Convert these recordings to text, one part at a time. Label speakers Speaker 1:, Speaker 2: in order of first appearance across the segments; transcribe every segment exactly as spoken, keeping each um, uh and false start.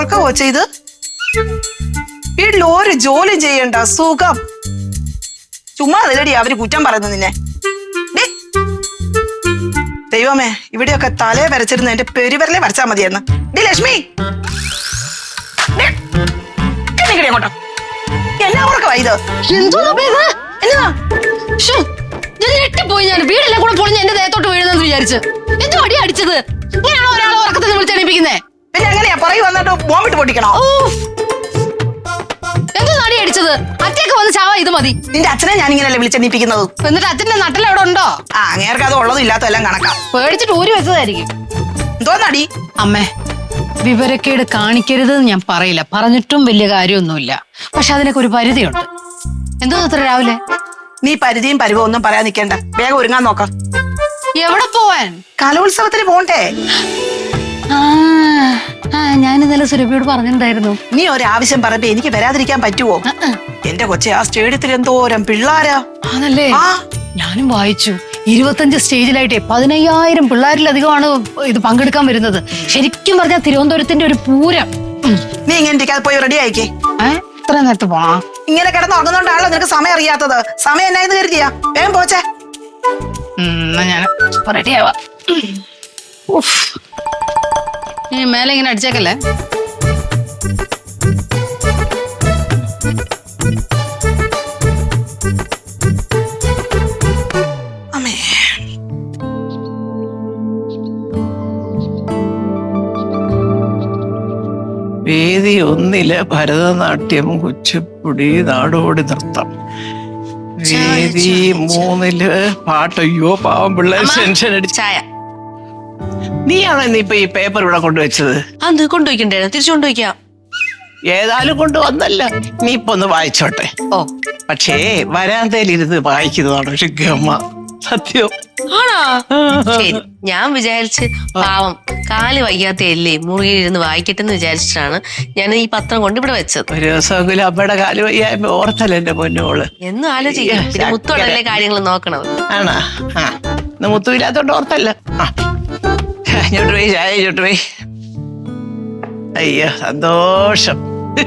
Speaker 1: ഉറക്കമോ ചെയ്ത്? വീട്ടിൽ ഒരു ജോലി ചെയ്യണ്ട, സുഖം. ചുമ്മാ അതിലടി അവര് കുറ്റം പറയുന്നു നിന്നെ. ദൈവമേ, ഇവിടെയൊക്കെ തലേ വരച്ചിരുന്നു എന്റെ പെരുവരലെ വരച്ചാ മതിയെന്ന്. ഡി ലക്ഷ്മി, അങ്ങോട്ടോ എന്നാ ഉറക്കവാ ഇത്?
Speaker 2: പോയി ഞാൻ വീടെല്ലാം കൂടെ പൊളിഞ്ഞ് എന്റെ ദേഹത്തോട്ട് വീഴുന്നെന്ന് വിചാരിച്ചു. എന്തോ അടി അടിച്ചത്? ഇങ്ങനെയാണോ ഒരാളെ ഉറക്കത്തിൽ വിളിച്ചെണീപ്പിക്കുന്നേ?
Speaker 1: പിന്നെ എങ്ങനെയാ പറയൂ വന്നിട്ട് ബോംബിട്ട് പൊട്ടിക്കണോ?
Speaker 2: എന്തോ അടി അടിച്ചത്? അച്ഛയൊക്കെ വന്ന് ചാവാ ഇത് മതി.
Speaker 1: നിന്റെ അച്ഛനെ ഞാൻ ഇങ്ങനെയല്ലേ വിളിച്ചെണീപ്പിക്കുന്നത്.
Speaker 2: എന്നിട്ട് അച്ഛന്റെ നട്ടിൽ എവിടെ ഉണ്ടോ?
Speaker 1: ആ അങ്ങേർക്ക് അത് ഉള്ളതും ഇല്ലാത്തതും എല്ലാം കണക്കാം.
Speaker 2: പേടിച്ചിട്ട് ഊരി വെച്ചതായിരിക്കും.
Speaker 1: എന്തോന്നടി?
Speaker 2: അമ്മേ, വിവരക്കേട് കാണിക്കരുത് ഞാൻ പറയില്ല, പറഞ്ഞിട്ടും വലിയ കാര്യമൊന്നുമില്ല. പക്ഷെ അതിനൊക്കെ ഒരു പരിധിയുണ്ട്. എന്തോ അത്ര രാവിലെ
Speaker 1: നീ പരിധിയും പരിവവും ഒന്നും പറയാൻ നിൽക്കണ്ട, വേഗം ഒരുങ്ങാൻ നോക്കാം.
Speaker 2: എവിടെ പോവാൻ?
Speaker 1: കലോത്സവത്തിന് പോണ്ടേ?
Speaker 2: ആ ഞാൻ ഇന്നലെ സുരഭിയോട് പറഞ്ഞിട്ടുണ്ടായിരുന്നു.
Speaker 1: നീ ഒരാവശ്യം പറയുമ്പോ എനിക്ക് വരാതിരിക്കാൻ പറ്റുവോ? എന്റെ കൊച്ചെ, ആ സ്റ്റേഡിയത്തിൽ എന്തോരം പിള്ളാരാ.
Speaker 2: ആണല്ലേ? ഞാനും വായിച്ചു. ഇരുപത്തഞ്ച് സ്റ്റേജിലായിട്ടേ പതിനയ്യായിരം പിള്ളേരിലധികമാണ് ഇത് പങ്കെടുക്കാൻ വരുന്നത്. ശരിക്കും പറഞ്ഞാൽ തിരുവനന്തപുരത്തിന്റെ ഒരു പൂരം.
Speaker 1: നീ ഇങ്ങനെ ഇരിക്കാതെ പോയി റെഡി ആയിക്കേ.
Speaker 2: ഏഹ് ഇത്ര നേരത്തെ പോണോ? ഇങ്ങനെ
Speaker 1: കിടന്ന് ഉറങ്ങുന്നോണ്ടാണല്ലോ നിനക്ക് സമയം അറിയാത്തത്. സമയം എന്നായെന്ന് കരുതിയാ? വേഗം പോച്ചേ.
Speaker 2: ഞാൻ റെഡിയാവാ. മേലെ ഇങ്ങനെ അടിച്ചേക്കല്ലേ.
Speaker 3: വേദി ഒന്നില് ഭരതനാട്യം, കുച്ചിപ്പുടി, നാടോടി നൃത്തം. വേദി മൂന്നില് പാട്ട്. അയ്യോ പാവം പിള്ളേർ ടെൻഷൻ അടിച്ച. നീയാണോ ഇന്നിപ്പൊ ഈ പേപ്പർ ഇവിടെ കൊണ്ടുവച്ചത്?
Speaker 4: അത് കൊണ്ടുപോയിക്കണ്ടേ? തിരിച്ചു കൊണ്ടുപോയിക്കാം.
Speaker 3: ഏതായാലും കൊണ്ടുവന്നല്ല, നീ ഇപ്പൊ ഒന്ന് വായിച്ചോട്ടെ.
Speaker 4: ഓ,
Speaker 3: പക്ഷേ വരാന്തയിലിരുന്ന് വായിക്കുന്നതാണ് പക്ഷെ ഗമ. സത്യം
Speaker 4: ആണോ? ശരി, ഞാൻ വിചാരിച്ച് പാവം കാല് വയ്യാത്തയല്ലേ മുറിയിലിരുന്ന് വായിക്കട്ടെന്ന് വിചാരിച്ചിട്ടാണ് ഞാൻ ഈ പത്രം കൊണ്ട് ഇവിടെ വെച്ചത്.
Speaker 3: ഒരു ദിവസമെങ്കിലും അമ്മയുടെ കാല് വയ്യായ്മ ഓർത്തല്ല എന്റെ പൊന്നോള്.
Speaker 4: എന്നും ആലോചിക്കാം. പിന്നെ മുത്തോടല്ലേ കാര്യങ്ങൾ നോക്കണത്.
Speaker 3: ആണോ? ആ മുത്തുമില്ലാത്തോണ്ട് ഓർത്തല്ല. ആ ഇങ്ങോട്ട് പോയി, ചായ ഇങ്ങോട്ട് പോയി. അയ്യോ സന്തോഷം.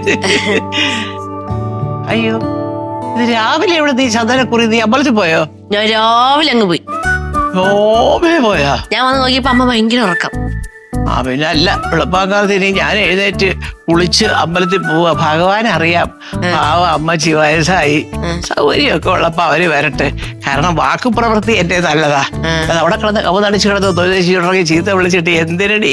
Speaker 3: അയ്യോ ഇത് രാവിലെ ഇവിടെ നീ ചന്ദനക്കുറി നീ അമ്പലത്തിൽ പോയോ?
Speaker 4: ഞാൻ രാവിലെ അങ്ങ് പോയി.
Speaker 3: ഓമേ പോയാ?
Speaker 4: ഞാൻ വന്ന് നോക്കിയപ്പോ അമ്മ ഭയങ്കര ഉറക്കം.
Speaker 3: ആ പിന്നെ അല്ല, വെളുപ്പാക്കാലത്തിന് ഞാൻ എഴുന്നേറ്റ് കുളിച്ച് അമ്പലത്തിൽ പോവാ. ഭഗവാൻ അറിയാം, പാവ അമ്മച്ചി വയസ്സായി. സൗകര്യമൊക്കെ ഉള്ളപ്പോ അവര് വരട്ടെ. കാരണം വാക്ക് പ്രവൃത്തി എന്റെ നല്ലതാ. അത് അവിടെ കിടന്ന് കവ നടിച്ചു കിടന്ന് തൊഴിലേശി ചീത്ത വിളിച്ചിട്ട് എന്തിനടി.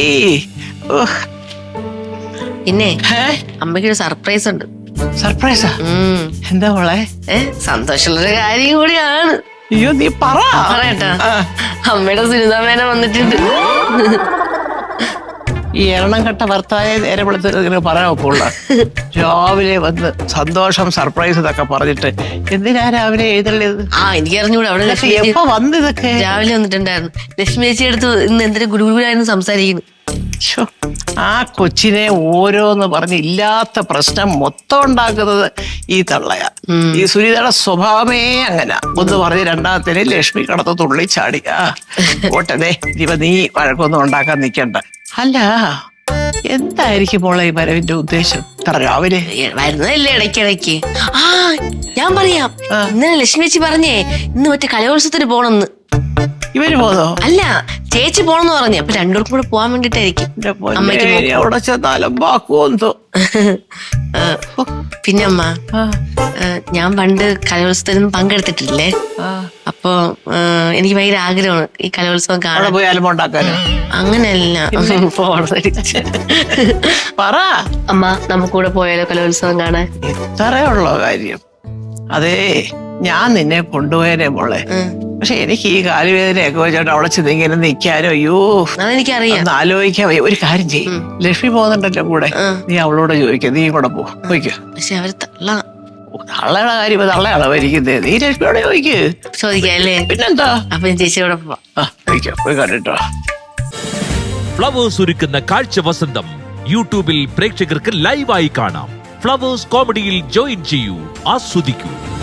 Speaker 4: പിന്നെ അമ്മയ്ക്കൊരു സർപ്രൈസ് ഉണ്ട്.
Speaker 3: സർപ്രൈസാ? എന്താ മോളെ?
Speaker 4: ഏ സന്തോഷമുള്ളൊരു കാര്യം കൂടിയാണ്.
Speaker 3: അയ്യോ നീ പറ.
Speaker 4: പറയട്ടാ, അമ്മയുടെ സുനിതാമേന വന്നിട്ടുണ്ട്.
Speaker 3: ഈ എണ്ണം കെട്ട ഭർത്താവെ നേരെ വിളിച്ച് പറയാൻ ഒക്കുള്ള. രാവിലെ വന്ന് സന്തോഷം സർപ്രൈസ് ഇതൊക്കെ പറഞ്ഞിട്ട് എന്തിനാ രാവിലെ എഴുന്നള്ളിയത്?
Speaker 4: ആ എനിക്ക് അറിഞ്ഞൂടെ. അവിടെ
Speaker 3: എപ്പോ വന്ന് ഇതൊക്കെ?
Speaker 4: രാവിലെ വന്നിട്ടുണ്ടായിരുന്നു. ലക്ഷ്മി ചേച്ചി എടുത്ത് ഇന്ന് എന്തൊരു ഗുരുഗുരായിരുന്നു സംസാരിക്കുന്നു.
Speaker 3: ആ കൊച്ചിനെ ഓരോന്ന് പറഞ്ഞ് ഇല്ലാത്ത പ്രശ്നം മൊത്തം ഉണ്ടാക്കുന്നത് ഈ തള്ളയാ. ഈ സുനിതയുടെ സ്വഭാവമേ അങ്ങനെ. ഒന്ന് പറഞ്ഞ് രണ്ടാമത്തേന് ലക്ഷ്മി കടത്ത് തുള്ളി ചാടി. ആ ഓട്ടതേ ഇനിയിപ്പോ നീ വഴക്കൊന്നും ഉണ്ടാക്കാൻ നിൽക്കണ്ട. അല്ല എന്തായിരിക്കും മോളെ ഈ വരവിന്റെ ഉദ്ദേശം? രാവിലെ
Speaker 4: വരുന്നതല്ലേ ഇടയ്ക്കിടയ്ക്ക്. ആ ഞാൻ പറയാം. ഇന്നലെ ലക്ഷ്മി ചേച്ചി പറഞ്ഞേ ഇന്ന് മറ്റേ കലോത്സവത്തിന് പോണെന്ന്.
Speaker 3: ഇവര് പോന്നോ?
Speaker 4: അല്ല, ചേച്ചി പോണെന്ന് പറഞ്ഞു. അപ്പൊ രണ്ടുപേർക്കും കൂടെ പോവാൻ വേണ്ടിട്ടായിരിക്കും.
Speaker 3: അവിടെ ചെന്നാലും ബാക്കുവോ?
Speaker 4: പിന്നെ അമ്മ, ഞാൻ പണ്ട് കലോത്സവത്തിനൊന്നും പങ്കെടുത്തിട്ടില്ലേ. അപ്പൊ എനിക്ക് ഭയങ്കര ആഗ്രഹമാണ് ഈ കലോത്സവം കാണാൻ.
Speaker 3: പോയി അലമുണ്ടാക്കാനോ?
Speaker 4: അങ്ങനെയല്ല.
Speaker 3: പറ
Speaker 4: അമ്മ, നമുക്കൂടെ പോയാലോ കലോത്സവം കാണാൻ?
Speaker 3: ഇത്രയുള്ള കാര്യം. അതേ ഞാൻ നിന്നെ കൊണ്ടുപോയനെ മോളെ. പക്ഷെ എനിക്ക് ഈ കാലുവേദനയൊക്കെ വെച്ചോണ്ട് അവിടെ ചെന്ന് ഇങ്ങനെ നിൽക്കാനോ അയ്യോ
Speaker 4: അതെനിക്കറിയാം.
Speaker 3: ആലോചിക്കാൻ ഒരു കാര്യം ചെയ്യും. ലക്ഷ്മി പോകുന്നുണ്ടല്ലോ കൂടെ, നീ അവളോട് ചോദിക്ക, നീ കൂടെ പോ പോയിക്കോ.
Speaker 4: പക്ഷെ അവര് തള്ള
Speaker 3: തള്ളയുടെ കാര്യം തള്ളയാണോ ഭരിക്കുന്നത്? നീ ലക്ഷ്മിയോടെ ചോദിക്ക്.
Speaker 4: ചോദിക്കാം അല്ലേ?
Speaker 3: പിന്നെന്താ?
Speaker 4: അപ്പൊ ഞാൻ ചേച്ചിയോടെ പോവാം.
Speaker 3: ആ ചോദിക്കാം, പോയി കണ്ടിട്ടോ.
Speaker 5: ഫ്ലവേഴ്സ് ഒരുക്കുന്ന കാഴ്ച വസന്തം യൂട്യൂബിൽ പ്രേക്ഷകർക്ക് ലൈവായി കാണാം. ഫ്ലവേഴ്സ് കോമഡിയിൽ ജോയിൻ ചെയ്യൂ, ആസ്വദിക്കൂ.